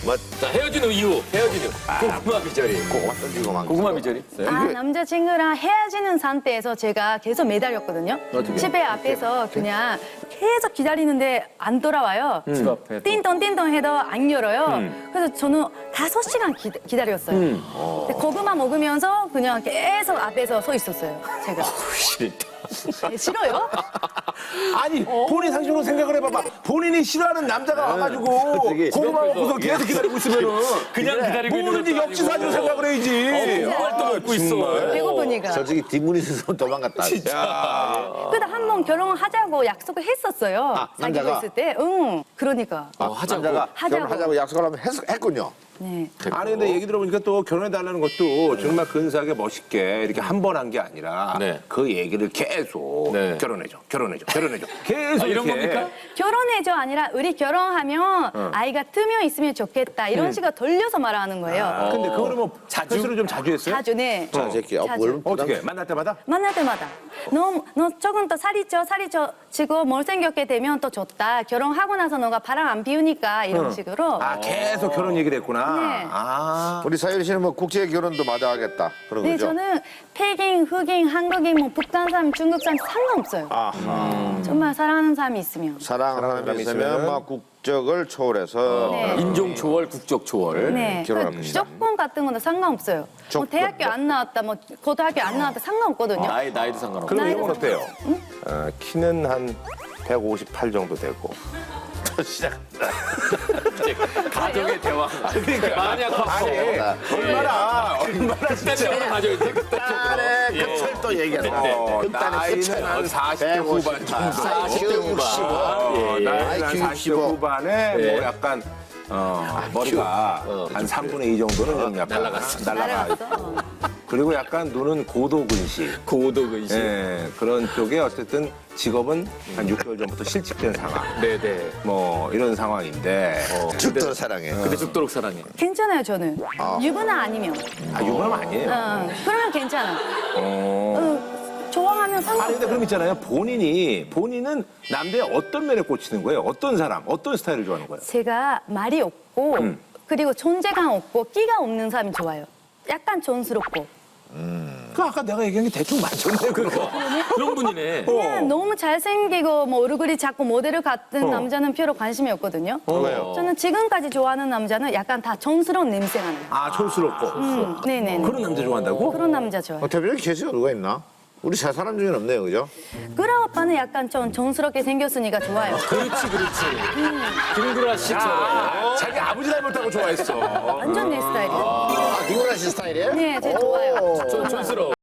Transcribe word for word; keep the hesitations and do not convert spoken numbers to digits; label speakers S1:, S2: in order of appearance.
S1: 뭐
S2: 자, 헤어진 후 이후, 헤어진 후. 고구마 비절이.
S1: 고구마 던지고 막.
S2: 고구마 비절이 있어요?
S3: 아, 남자친구랑 헤어지는 상태에서 제가 계속 매달렸거든요.
S2: 어떻게?
S3: 집에 앞에서 그냥 계속 기다리는데 안 돌아와요.
S2: 집 앞에. 또.
S3: 띵동 띵동 해도 안 열어요. 그래서 저는 다섯 시간 기, 기다렸어요. 근데 고구마 먹으면서 그냥 계속 앞에서 서 있었어요. 제가.
S2: 싫다.
S3: 네, 싫어요?
S4: 아니 본인 상식으로 생각을 해봐봐. 본인이 싫어하는 남자가 와가지고
S1: 솔직히
S4: 고구마 먹고서 계속 기다리고 있으면은
S2: 그냥 기다리고 있는
S4: 뭐든지
S2: 것도
S4: 역지사지로
S2: 아니고.
S4: 생각을 해야지.
S2: 고구마를 또 먹고 있어.
S3: 배고프니까.
S1: 솔직히 뒷문이 있어서 도망갔다.
S3: 근데 한 번 결혼하자고 약속을 했었어요.
S1: 아,
S3: 사귀고
S1: 남자가?
S3: 있을 때. 응. 그러니까.
S2: 어, 하자고.
S1: 남자가
S3: 하자고.
S1: 결혼하자고 약속을 하면 했, 했군요.
S3: 네.
S4: 아니 근데 얘기 들어보니까 또 결혼해달라는 것도 정말 근사하게 멋있게 이렇게 한 번 한 게 아니라
S2: 네.
S4: 그 얘기를 계속
S2: 네.
S4: 결혼해줘, 결혼해줘, 결혼해줘. 계속
S2: 아, 이런
S4: 이렇게.
S2: 겁니까?
S3: 결혼해줘 아니라 우리 결혼하면 아이가 뜨면 있으면 좋겠다. 이런 식으로 돌려서 말하는 거예요.
S4: 아, 근데 그거를 뭐
S2: 자주?
S4: 스스로 좀 자주 했어요?
S3: 자주, 네.
S1: 자, 새끼. 어,
S3: 자주.
S1: 뭘
S4: 어떻게 만날 때마다?
S3: 만날 때마다 너, 너 조금 더 살이 쪄 살이 쪄 지고 못생겼게 되면 또 좋다. 결혼하고 나서 너가 바람 안 피우니까 이런 식으로.
S4: 아 계속 결혼 얘기를 했구나.
S3: 네.
S4: 아.
S1: 우리 사유리 씨는 뭐 국제 결혼도 마다하겠다. 그런
S3: 네,
S1: 거죠?
S3: 저는 백인, 흑인, 한국인, 뭐 북한 사람, 중국 사람 상관없어요.
S1: 아하.
S3: 정말 사랑하는 사람이 있으면.
S1: 사랑하는 사람이
S4: 사람이
S1: 있으면
S4: 있으면
S1: 막 국적을 초월해서
S3: 네.
S2: 인종 초월, 국적 초월.
S3: 네.
S1: 결혼할
S3: 그
S1: 것이다.
S3: 조건 같은 거는 상관없어요. 뭐
S1: 조건.
S3: 대학교 안 나왔다, 뭐 고등학교 안 나왔다 상관없거든요.
S2: 나이, 나이도 상관없고.
S4: 그럼
S3: 나이도
S4: 이건 어때요? 어, 키는 한 백오십팔 정도 되고.
S2: 가정의 대화. 만약
S4: 아니 얼마나 얼마나 진짜
S2: 그때는 가져야 돼, 그때
S1: 딸의
S2: 쪽으로.
S1: 끝을 또 얘기하는
S4: 어,
S1: 거.
S4: 나이는 한 사십 대 후반 정도.
S2: 사십 대 후반.
S4: 어,
S2: 예.
S4: 나이는 한
S1: 아이큐
S4: 사십 대
S1: 육십오.
S4: 후반에
S2: 예.
S4: 뭐 약간 어, 머리가 한 삼분의 이 정도는 좀 약간
S2: 날라갔어.
S4: 날라가.
S3: 날아갔어.
S4: 그리고 약간 눈은 고도근시.
S2: 고도근심.
S4: 예, 그런 쪽에 어쨌든 직업은 한 육 개월 전부터 실직된 상황.
S2: 네네.
S4: 뭐 이런 상황인데
S1: 죽도록 사랑해.
S2: 근데 죽도록 사랑해.
S3: 괜찮아요, 저는. 유부남 아니면.
S4: 아 유부남 아니에요.
S3: 어, 그러면 괜찮아.
S4: 어.
S3: 어, 좋아하면
S4: 아니 근데
S3: 상관없어요.
S4: 그럼 있잖아요. 본인이 본인은 남자의 어떤 면에 꽂히는 거예요? 어떤 사람, 어떤 스타일을 좋아하는 거예요?
S3: 제가 말이 없고
S4: 음.
S3: 그리고 존재감 없고 끼가 없는 사람이 좋아요. 약간 촌스럽고.
S4: 그 아까 내가 얘기한 게 대충 맞췄네 그거.
S2: 그런 분이네.
S3: 그냥 너무 잘생기고 뭐 얼굴이 작고 모델 같은
S4: 어.
S3: 남자는 별로 관심이 없거든요.
S4: 왜요?
S3: 저는 지금까지 좋아하는 남자는 약간 다 촌스러운 냄새가 나요.
S4: 아 촌스럽고.
S3: 음, 네네네.
S4: 그런 남자 좋아한다고?
S3: 그런 남자 좋아요.
S1: 어, 대표님 계시가 누가 있나? 우리 세 사람 중에는 없네요, 그죠?
S3: 그라 오빠는 약간 좀 촌스럽게 생겼으니까 좋아요.
S2: 그렇지, 그렇지. 김구라 씨처럼.
S4: 자기 아버지 닮았다고 좋아했어.
S3: 완전 내 스타일이에요.
S1: 아, 김구라 씨 스타일이에요?
S3: 네, 제가 좋아요.
S2: 촌- 촌스러워.